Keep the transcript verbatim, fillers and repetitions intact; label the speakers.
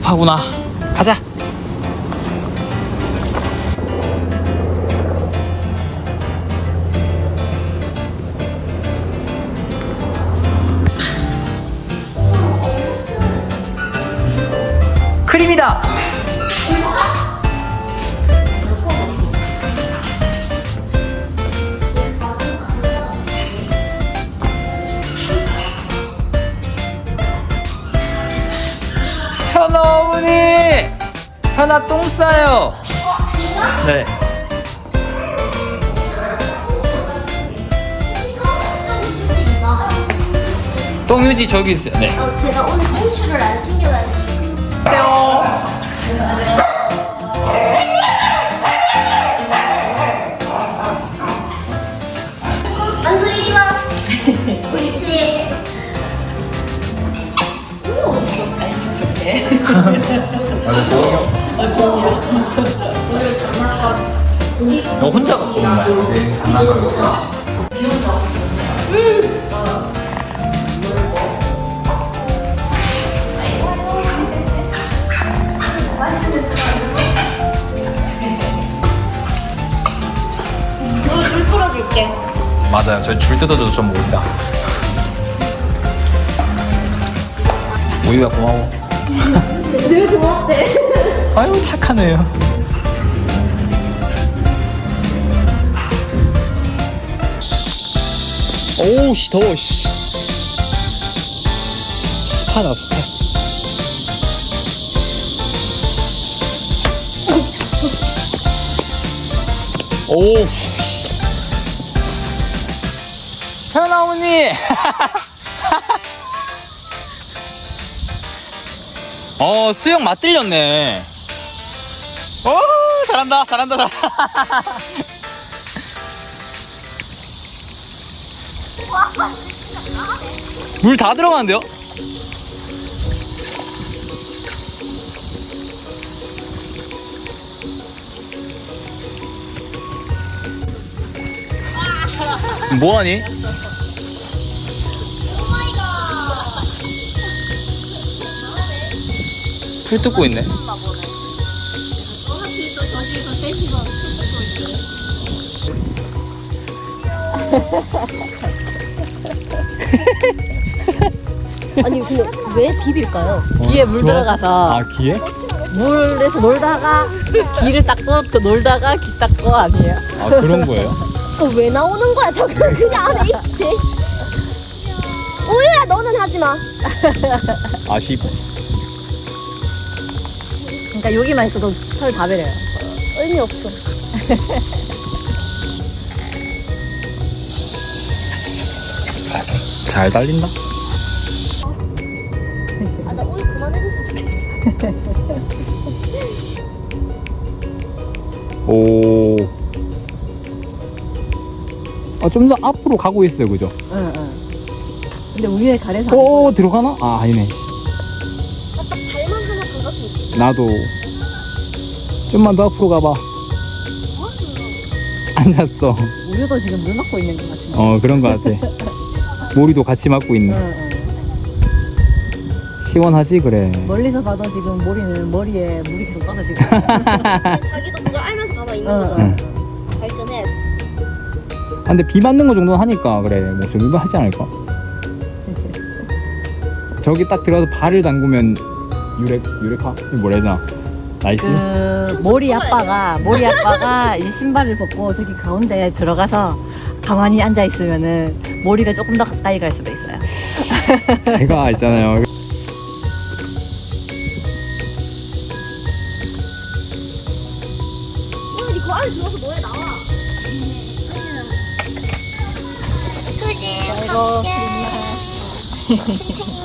Speaker 1: 급하구나. 가자. 크림이다. 현아 어머니! 현아 똥 싸요. 네. 똥유지 저기 있어요. 네.
Speaker 2: 어, 제가 오늘 꽁추를 안 챙겨가지고. 안녕 이리 와. 옳지. 오 어딨어?
Speaker 3: 아니 죽었네.
Speaker 1: 너 혼자 갖고 온 거야? 네, 장난감.
Speaker 2: 줄 풀어줄게.
Speaker 1: 맞아요. 저희 줄 뜯어줘도 좀 모른다. 우유가 고마워.
Speaker 2: 늘 고맙대.
Speaker 1: 아유 착하네요. 오우 씨 더워. 습하다 습해. 오. 현아 어머니. 어 수영 맞들렸네. 오 잘한다 잘한다 잘한다. 물 다 들어가는데요? 뭐하니? 풀 뜯고 있네.
Speaker 3: 아니 근데 왜 비빌까요? 귀에 물
Speaker 1: 좋아?
Speaker 3: 들어가서
Speaker 1: 아 귀에?
Speaker 3: 물에서 놀다가 귀를 닦고 또 놀다가 귀 닦고 아니에요?
Speaker 1: 아 그런 거예요?
Speaker 2: 어, 왜 나오는 거야? 저거 그냥 안에 있지. 우유야 너는 하지 마.
Speaker 1: 아쉽.
Speaker 3: 그러니까 여기만 있어도 털 다 베려요.
Speaker 2: 의미 없어.
Speaker 1: 잘 달린다.
Speaker 2: 아 나 우유 그만해줬으면 좋겠어.
Speaker 1: 오. 아, 좀 더 앞으로 가고 있어요, 그죠?
Speaker 3: 응, 응. 근데 우유에 가래서
Speaker 1: 오, 들어가나? 아, 아니네.
Speaker 2: 딱 발만 하나 감았으면 좋겠어.
Speaker 1: 나도. 좀만 더 앞으로 가봐. 앉았어.
Speaker 3: 우유도 지금 물 맞고 있는 것 같은데.
Speaker 1: 어, 그런 거 같아. 모리도 같이 맞고 있네.
Speaker 3: 응, 응.
Speaker 1: 시원하지, 그래.
Speaker 3: 멀리서 봐도 지금 머리는 머리에 물이 계속 떨어지고.
Speaker 2: 자기도 그걸 알면서 가만히 있는
Speaker 3: 응,
Speaker 2: 거잖아.
Speaker 1: 응.
Speaker 2: 발전했어.
Speaker 1: 아, 근데 비 맞는 거 정도는 하니까, 그래. 뭐, 정도 하지 않을까? 저기 딱 들어가서 발을 담그면, 유렉, 유레카? 이거 뭐라 해야 되나? 나이스?
Speaker 3: 그 모리 아빠가 모리 아빠가 이 신발을 벗고 저기 가운데 들어가서 가만히 앉아 있으면은 모리가 조금 더 가까이 갈 수도 있어요.
Speaker 1: 제가 있잖아요.
Speaker 2: 오늘 니그 안에 들어가서 노래 나와. 수지,
Speaker 3: 아이고,
Speaker 2: 갈게.